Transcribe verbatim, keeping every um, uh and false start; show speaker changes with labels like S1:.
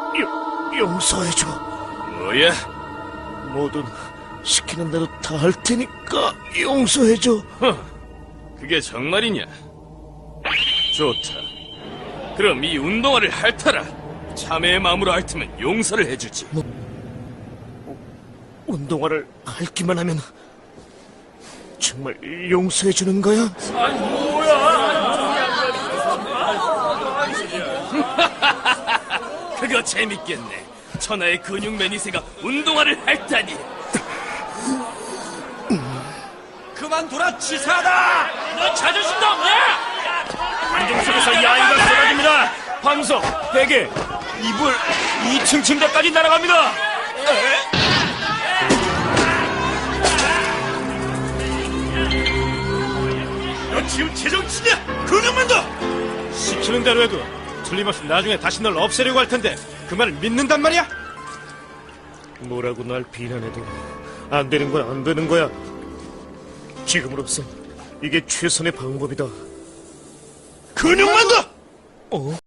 S1: 용, 용서해줘.
S2: 뭐야?
S1: 뭐든 시키는 대로 다 할 테니까 용서해줘.
S2: 허, 그게 정말이냐? 좋다. 그럼 이 운동화를 핥아라. 참회의 마음으로 핥으면 용서를 해주지.
S1: 운동화를 핥기만 하면 정말 용서해주는 거야?
S2: 그거 재밌겠네. 천하의 근육 매니새가 운동화를 핥다니.
S3: 그만둬라, 치사하다!
S2: 너 자존심도 없냐?
S1: 안경 속에서 야인가 쏟아집니다. 방석, 베개, 이불, 이 층 침대까지 날아갑니다.
S3: 너 지금 제정치냐? 근육만 더!
S1: 시키는 대로 해도 틀림없이 나중에 다시 널 없애려고 할 텐데 그 말을 믿는단 말이야? 뭐라고 날 비난해도 안 되는 거야, 안 되는 거야. 지금으로선 이게 최선의 방법이다.
S3: 근육만 더!
S1: 어?